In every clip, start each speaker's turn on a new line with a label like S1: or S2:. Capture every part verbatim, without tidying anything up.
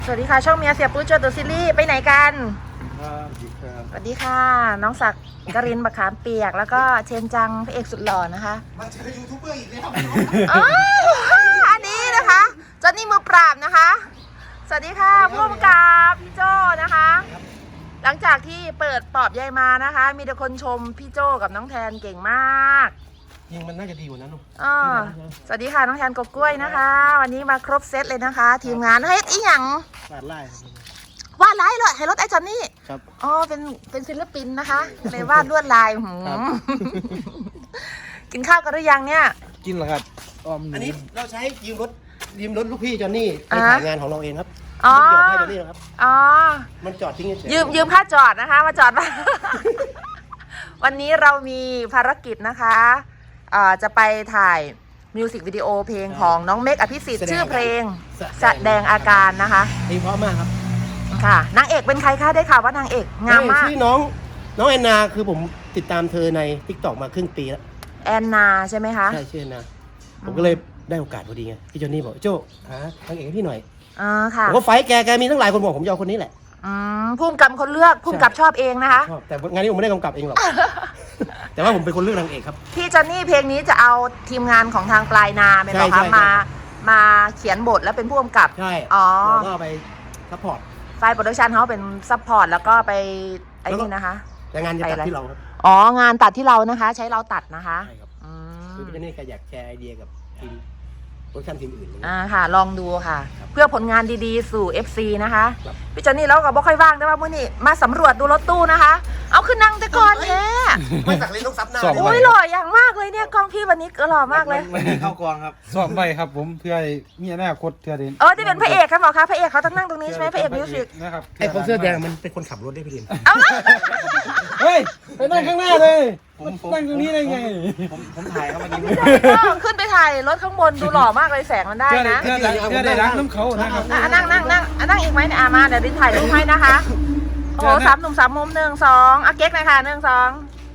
S1: สวัสดีค่ะช่องเมียเสียปุ๊จตัวซีรีส์ไปไหนกันสวัสดีค่ะน้องศักดิ์กรินทร์บักขามเปียกแล้วก็เชนจังพระเอกสุดหล่อนะคะ
S2: มาเจอยูทูบเบอร์อีกแล้ว
S1: อ๋ออันนี้นะคะจอนนี่มือปราบนะคะสวัสดีค่ะผู้กำกับพี่โจนะคะ หลังจากที่เปิดปอบยายมานะคะ มีแต่คนชมพี่โจกับน้องแทนเก่งมาก
S2: ยิงมันน่าจะดีกว่านั้นลูก
S1: อ๋อสวัสดีค่ะน้องแทนกบกล้วยนะคะ วันนี้มาครบเซตเลยนะคะ ทีมงานเฮ้ยอีหยัง
S2: วาดไล่
S1: วาดลายเลยให้รถไอ้จอนนี่
S2: ครับ
S1: อ๋อเป็นเป็นศิลปินนะคะเลยวาดลวดลายหืมกินข้าวกันหรือยังเนี่ย
S2: กินเหรอครับอันนี้เราใช้ยืมรถยืมรถลูกพี่จอนนี่ไปถ่ายงานของเราเองครับ
S1: อ๋อ
S2: ให้จอนนี่ครับ
S1: อ๋อ
S2: มันจอดทิ้ง
S1: ยืมยืมค่าจอดนะคะมาจอดมาวันนี้เรามีภารกิจนะคะจะไปถ่ายมิวสิกวิดีโอเพลงของน้องเมกอภิสิทธิ์ชื่อเพลงแสดงอาการนะคะ
S2: เพลงเพราะมากครับ
S1: ค่ะนางเอกเป็นใครคะได้ข่าวว่านางเอกงามมาก
S2: ชื่อน้องน้องแอนนาคือผมติดตามเธอใน ทิกตอก มาครึ่งปีแล้ว
S1: แอนนาใช่ไหมคะ
S2: ใช่ชื่อแอนนาผมก็เลยได้โอกาสพอดีไงพี่จอนนี่บอกโจ้หานางเอกให้พี่หน่อย
S1: อ๋อค่ะ
S2: ผมก็ไฟแกแกมีตั้งหลายคนบอกผมจะเอาคนนี้แหละ
S1: อืมพุ่มกับคนเลือกพุ่มกับชอบเองนะคะ
S2: ชอบแต่งานนี้ผมไม่ได้กำกับเองหรอกแต่ว่าผมเป็นคนเลือกนางเอกครับ
S1: พี่จอนนี่เพลงนี้จะเอาทีมงานของทางปลายนาเป็นหรอคะมามาเขียนบทแล้วเป็นผู้กำกับ
S2: ใช่
S1: อ๋อ
S2: แล้วก็ไปซัพพอร์ต
S1: ไฟล์โปรดักชันเขาเป็นซัพพอร์ตแล้วก็ไปไอ้นี่นะคะ
S2: แต่งานจะตัดที่เราครับ
S1: อ๋องานตัดที่เรานะคะใช้เราตัดนะคะ
S2: ใช่ครับคือพี่จอนนี่แกอยากแชร์ไอเดียกับทีมโปรดักชันทีมอื่น
S1: อ่าค่ะลองดูค่ะเพื่อผลงานดีๆสู่ เอฟ ซี นะคะพี่จอนนี่เราก็บ่ค่อยว่างแต่ว่าเมื่อนี้มาสำรวจดูรถตู้นะคะเอาขึ้นนั่งแต่ก่อนแท้
S2: ไม่สักเลยต้องซับหน้า
S1: โอ้ยหล่ออย่างมากเลยเนี่ยกองพี่วันนี้ก็หล่อมากเลย
S2: วันนี้เข้ากองครับ
S3: สอบไปครับผมเพื่อมีอนาคตเพื่อเด่น
S1: เออที่เป็นพระเอกครับหมอคะพระเอกเขาต้องนั่งตรงนี้ใช่ไหมพระเอกมิวสิก
S3: นะครับ
S2: ไอ้คนเสื้อแดงมันเป็นคนขับรถได้พี่ดิน
S1: เอาละ
S3: เฮ้ยไปนั่งข้างหน้าเลยผมนั่งตรงนี้ได้ไง
S2: ผมผมถ่ายเข้ามาดี
S1: ขึ้นไปถ่ายรถข้างบนดูหล่อมากเลยแสงมันได้นะ
S3: เพื่อได้รักน้ำเขานะครับ
S1: นั่งนั่งนั่งนั่งอีกไหมเนี่ยมาเดี๋ยวดินถ่ายรูปให้นะคะโอ้โหสามหนุ่มสามมุมหนึ่งสองอาเก๊กหน่อยค่ะหนึ่งสอง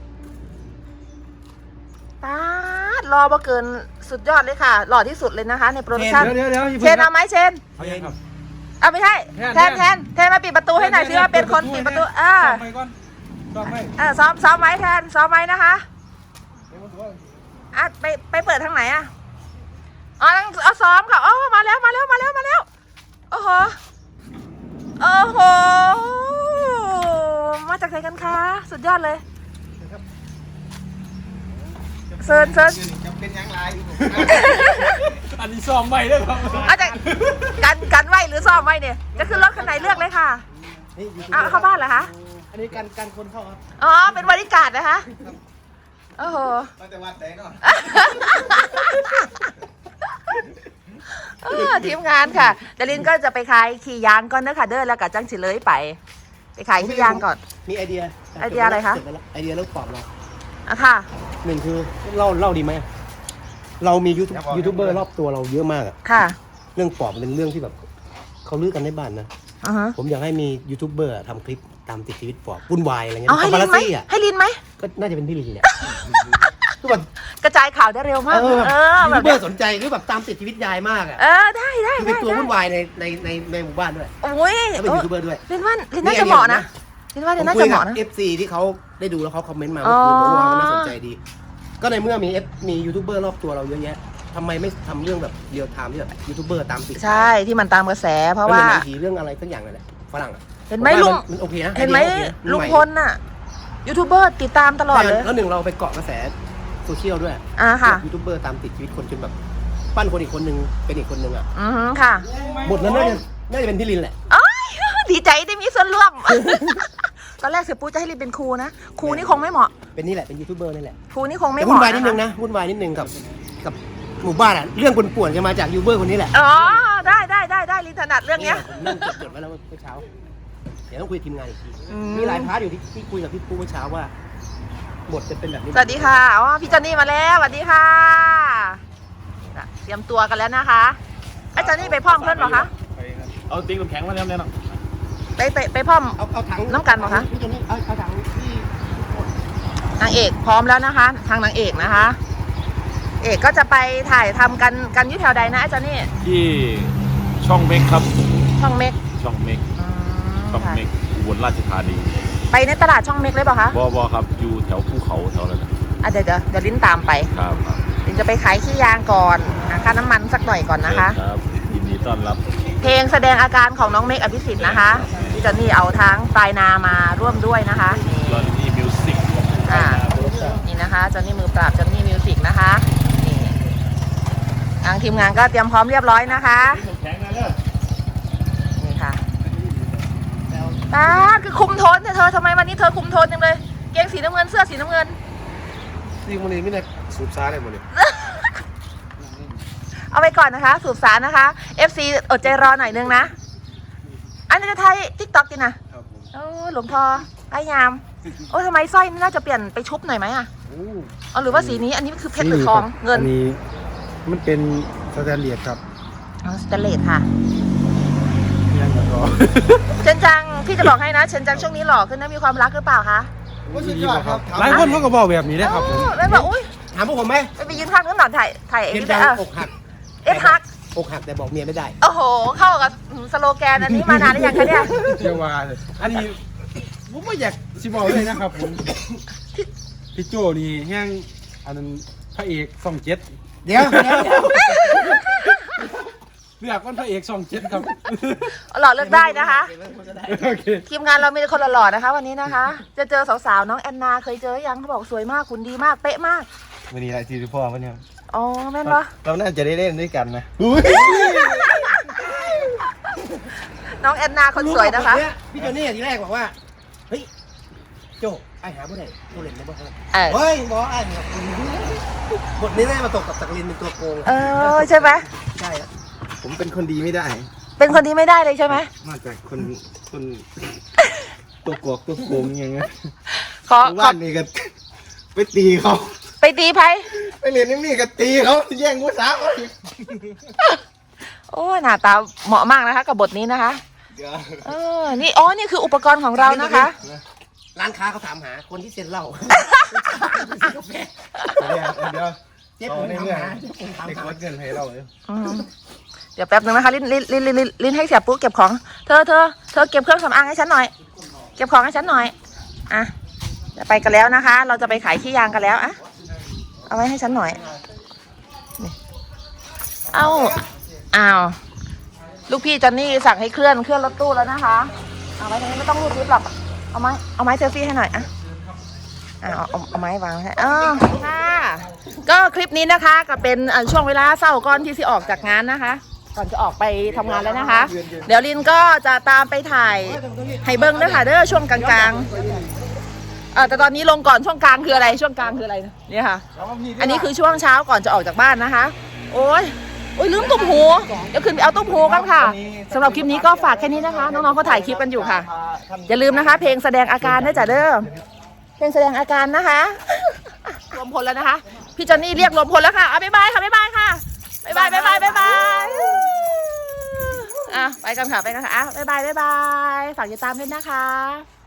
S1: ตารอมาเกินสุดยอดเลยค่ะหล่อที่สุดเลยนะคะในโปรดักชั่นเชนเอาไหมเชนเอาไม่ใช่แทนแทนแทนมาปิดประตูให้หน่อยสิว่าเป็นคนปิดประตูอ่าเออซ้อมซ้อมไว้แทนซ้อมไว้นะคะอ่ะไปไปเปิดทางไหนอ่ะอ๋อเอาซ้อมค่ะอ๋อมาแล้วมาแล้วมาแล้วมาแล้วโอ้โหโอ้โหมาจากไหนกันคะสุดยอดเลยเซิร์นเซิร์น
S2: เป็นยังไง
S3: อันนี้ซ้อมใหม่ด้วยครับ
S1: อาจจะกันกันไหวหรือซ้อมไหวเนี่ยจะขึ้นรถคันไหนเลือกเลยค่ะอ่ะเข้าบ้านเหรอคะ
S2: อันนี้การการคนเข้าครับ
S1: อ๋อเป็นบริการนะคะโอ้โห
S2: มาแต่วัดไหนเนาะ
S1: ทีมงานค่ะดารินก็จะไปขายขี่ยางก่อนเด้อค่ะเด้อแล้วกับจังฉิเลยไปไปขายขี่ยางก่อน
S2: มีไอเดีย
S1: ไอเดียอะไรคะ
S2: ไอเดียเรื่องปอบเรา
S1: อ่ะค่ะ
S2: หนึ่งคือเล่าเล่าดีไหมเรามียูทูบยูทูบเบอร์รอบตัวเราเยอะมากอะ
S1: ค่ะ
S2: เรื่องปอบเป็นเรื่องที่แบบเขาลือกันในบ้านนะผมอยากให้มียูทูบเบอร์ทำคลิปตามติดชีวิตปอบวุ่นวายอะไรเงี้ย
S1: ให้ลินไหมให้ลินไหม
S2: ก็น่าจะเป็นพี่ลินเนี่ยคือแบบ
S1: กระจายข่าวได้เร็วมาก
S2: เออยูทูบเบอร์สนใจคือแบบตามติดชีวิตยายมากอะ
S1: เออได้ได้
S2: คือเป็นตัววุ่นวายในในในในหมู่บ้านด้วย
S1: โอ้ย
S2: แล้วเป็นยูทูบเบอร์ด้วย
S1: ลินว่าลินน่าจะเหมาะนะลินว่าลินน่าจะเหมาะนะ
S2: เอฟซีที่เขาได้ดูแล้วเขาคอมเมนต์มาว่าผมว่ามันน่าสนใจดีก็ในเมื่อมีเอฟมียูทูบเบอร์รอบตัวเราเยอะแยะทำไมไม่ทำเรื่องแบบเรียลไทม์ที่แบบยูทูบเบอร์ตามติด
S1: ใช่ที่มันตามกระแสเพราะว่า
S2: เรื่องอะไรสักอย่างนั่นแหละฝรั่ง
S1: เห็นไหมลุง
S2: มันโอเคนะ
S1: เห็นไหมลุงพลน่ะยูทูบเบอร์ติดตามตลอดเลย
S2: แล้วหนึ่งเราไปเกาะกระแสโซเชียลด้วย
S1: อ่าค่ะ
S2: ยูทูบเบอร์ตามติดชีวิตคนจนแบบปั้นคนอีกคนนึงเป็นอีกคนนึงอ่ะ
S1: อือค่ะ
S2: บทนั้นน่าจะน่าจะเป็นพี่ลินแหละ
S1: ดีใจได้มีส่วนร่วมตอนแรกเสียปูจะให้ลินเป็นครูนะครูนี่คงไม่เหมาะ
S2: เป็นนี่แหละเป็นยูทูบเบอร์นี่แหละ
S1: ครูนี่คงไม่เห
S2: มาะวุ่นวายนิดนึ
S1: ง
S2: นะวุ่นวายนิดนึงกับกับหมู่บ้านอ่ะเรื่องป่วนๆจะมาจากยูทูบเบอร์คนนี้แหละ
S1: อ๋อได้ได้ได้ได้ลินถนัดเรื่องเนี้ย
S2: ผมนั่งจดๆไว้แล้วเมื่อเช้าเดี๋ยวต้องคุยทีมงานอีกทีมีหลายพาร์ทอยู่ที่ที่คุยกับพี่ปูเมื่อเช้าว่าบทจะเป็นแบบนี้
S1: สวัสดีค่ะอ๋อพี่จอนนี่มาแล้วสวัสดีค่ะเตรียมตัวกันแล้วนะคะไอ้จอนนี่ไปพร้อมเพื่อนหรอคะ
S3: เอาติ๊กน้ำแข็งมาแล้วเนี่ยเนาะ
S1: ไปไปไปพร้อม
S2: เอาเอาถัง
S1: น้ำกันหรอคะ
S2: พี่จอนนี่เอาเอาถังที่
S1: นางเอกพร้อมแล้วนะคะทางนางเอกนะคะเอกก็จะไปถ่ายทำกันกันยุ่แถวใดนะไอ้จอนนี่
S3: ที่ช่องเมกครับ
S1: ช่องเมก
S3: ช
S4: ช่องเมก
S1: อืม
S4: ช่อง
S1: ค่ะ
S4: เมกอุบลราชธานี
S1: ไปในตลาดช่องเมกเลยเปล่าคะ
S4: บอบอครับอยู่แถวภูเขาแถวนั้นนะ
S1: อ่ะเดี๋ยวเดี๋ยวเดี๋ยวลิ้นตามไป
S4: ครับครับ
S1: ลิ้นจะไปขายขี้ยางก่อนหาค่าน้ำมันสักหน่อยก่อนนะคะ
S4: เชิญครับยินดีต้อนรับ
S1: เพลงแสดงอาการของน้องเมกอภิสิทธิ์นะคะพี่จอนนี่เอาทั้งปลายนามาร่วมด้วยนะคะนี่
S4: ตอนนี้มิวสิก
S1: อ่านี่นะคะจอนนี่มือปราบจอนนี่มิวสิกนะคะนี่ทางทีมงานก็เตรียมพร้อมเรียบร้อยนะคะนี่ค่ะป้าดคือคุมโทนเนี่ยเธอทำไมวันนี้เธอคุมโทนจังเลยเกงสีน้ำเงินเสื้อสีน้ำเงิน
S3: จริงวันนี้ไม่ได้สูบซ่าเลยหมดเลย
S1: เอาไปก่อนนะคะ สูบสารนะคะ เอฟ ซี อดใจรอหน่อยนึงนะ อันนี้จะไทยทิกตอกกินนะโอ้หลวงพ่อไอ้ยาม โอ้ทำไมสร้อยนี่น่าจะเปลี่ยนไปชุบหน่อยไหมอ่ะเอาหรือว่าสีนี้อันนี้คือเพชรหรือทองเงิน
S3: อันนี้มันเป็นสแตนเลียดครับ
S1: อ๋อสเตนเลสค่ะ
S3: ยังแล้วก็
S1: เชนจังพี่จะบอกให้นะเชนจังช่วงนี้หล่อขึ้นนะมีความรักหรือเปล่าคะ
S3: หลายคนเขาก็บอกแบบนี้นะครับผม
S1: โอ้แล้วบอกอุ้ย
S2: ถามพวกผมไหม
S1: ไปไปยืนข้างนู้นหน่อยถ่ายถ่ายเอง
S2: เห็น
S1: ได้
S2: จัง
S1: เออ
S2: อกหัก
S1: เอฟฮัก
S2: อกหักแต่บอกเมียไม่ได้
S1: โอ้โห เข้ากับสโลแกนอันนี้มานานหรือยังคะเนี่ย
S3: เชื่อว่าเลยอันนี้ผมไม่อยากสิบอกเลยนะครับผมพี่โจนี่แห้งอันนั้นพระเอกส่องเจ็ด
S2: เดี๋ยวเดี๋ยวเดี๋ยว
S3: เลือกวันพระเอกส่องเจ็ดครับ
S1: หล่อเลือกได้นะคะ
S3: โอเค
S1: ทีมงานเรามีแต่คนหล่อๆนะคะวันนี้นะคะ จะเจอสาวๆน้องแอนนาเคยเจอยังเขาบอกสวยมากคุณดีมากเป๊ะมาก
S5: วันนี้อะไรที่พ่อวันนี้
S1: อ๋อแม่นปะ
S5: เราน่าจะได้เล่นด้วยกันนะ
S1: น้องแอนนาคนสวยนะคะ
S2: รู้ป่บทเพี่โจนี่ทีแรกบอกว่า เฮ้ย โจไอ้หาบ่ได้โจเล่นได้บ่ครับ
S1: เออ
S2: เฮ้ยบอกไอ้เนี่ยบทนี้ได้มาตกกับสักลินเป็นตัวโกง
S1: เออใช่ไหม
S2: ใช่แล้ว
S5: ผมเป็นคนดีไม่ได้
S1: เป็นคนที่ไม่ได้เลยใช่ไหม
S5: มาจากคนคนตัวกอกตัวโกงอย่างเงี้ย
S1: ขอขอ
S5: บ้านนี่ก็ไปตีเขา
S1: ไปตีไพ่
S5: ไปเรียนนี่ก็ตีเขาแย่งผู้สาวเขาอีก
S1: โอ้ยหน้าตาเหมาะมากนะคะ กับบทนี้นะคะ
S5: เดี๋ยว
S1: เออนี่อ๋อนี่คืออุปกรณ์ของเรานะคะ
S2: ร้านค้าเขาถามหาคนที่เซ็นเหล้า
S5: เดี๋ยวเดี๋ยว
S2: เจ๊ผมถามหาเจ๊ผมถาม
S5: เด็ก
S2: หา
S5: วัดเงินให้เราเลย
S1: อืมเดี๋ยวแป๊บนึงนะคะลิ้นลิ้นลิ้นลิ้นลิ้นลิ้นให้เสียปุ๊กเก็บของเธอเธอเธอเก็บเครื่องสำอางให้ฉันหน่อย เก็บของให้ฉันหน่อยอ่ะจะไปกันแล้วนะคะ เราจะไปขายขี้ยางกันแล้วอะเอาไว้ให้ฉันหน่อยนี่เอาอ้าวลูกพี่จอนนี่สั่งให้เคลื่อนเคลื่อนรถตู้แล้วนะคะเอาไว้ตรงนี้ไม่ต้องรูดลิฟต์หรอกเอาไม้เอาไม้เซลฟี่ให้หน่อยอะอ่าเอาเอาเอาไม้วางให้อ่าค่ะก็คลิปนี้นะคะก็เป็นอ่าช่วงเวลาเศร้าก่อนที่สิออกจากงานนะคะ ก่อนจะออกไปทำงานแล้วนะคะ เดี๋ยวลินก็จะตามไปถ่ายให้เบิ้งด้วยค่ะเด้อช่วงกลางๆเออแต่ตอนนี้ลงก่อนช่วงกลางคืออะไรช่วงกลางคืออะไรเนี่ยค่ะ อันนี้คือช่วงเช้าก่อนจะออกจากบ้านนะคะ โอ้ยโอ้ยลืมตุ้มหูเดี๋ยวขึ้นไปเอาตุ้มหูกันค่ะสำหรับคลิปนี้ก็ฝากแค่นี้นะคะ น้องๆเขาถ่ายคลิปกันอยู่ค่ะ อย่าลืมนะคะ เพลงแสดงอาการด้วยจ้ะเด้อเพลงแสดงอาการนะคะรวมพลแล้วนะคะพี่จอนนี่เรียกรวมพลแล้วค่ะเอาบ๊ายบายค่ะบ๊ายบายค่ะบ๊ายบายบ๊ายบายบ๊ายบายอ่ะไปกันค่ะไปกันค่ะอ่ะบ๊ายบายบ๊ายบายฝากติดตามด้วยนะคะ